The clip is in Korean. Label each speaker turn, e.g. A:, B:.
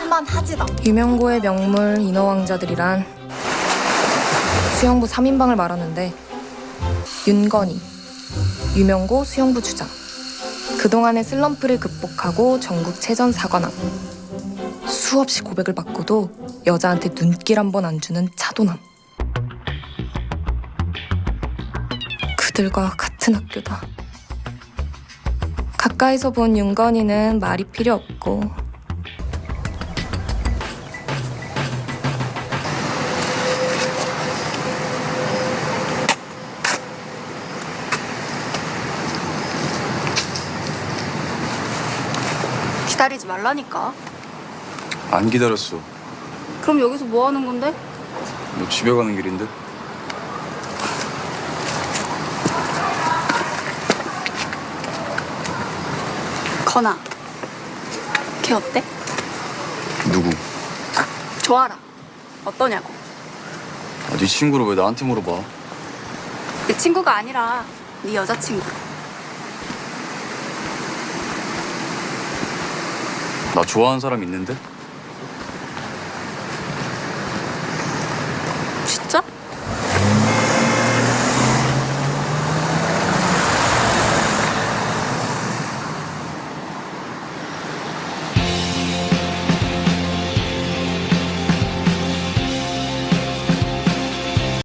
A: 할만하지다.
B: 유명고의 명물 인어왕자들이란 수영부 3인방을 말하는데 윤건이, 유명고 수영부 주장, 그동안의 슬럼프를 극복하고 전국체전 4관왕, 수없이 고백을 받고도 여자한테 눈길 한 번 안 주는 차도남. 그들과 같은 학교다. 가까이서 본 윤건이는 말이 필요 없고
A: 기다리지 말라니까.
C: 안 기다렸어.
A: 그럼 여기서 뭐 하는 건데?
C: 너 집에 가는 길인데?
A: 건아, 걔 어때?
C: 누구?
A: 좋아라. 어떠냐고.
C: 아, 네 친구를 왜 나한테 물어봐?
A: 내 친구가 아니라 네 여자친구.
C: 나 좋아하는 사람 있는데?
A: 진짜?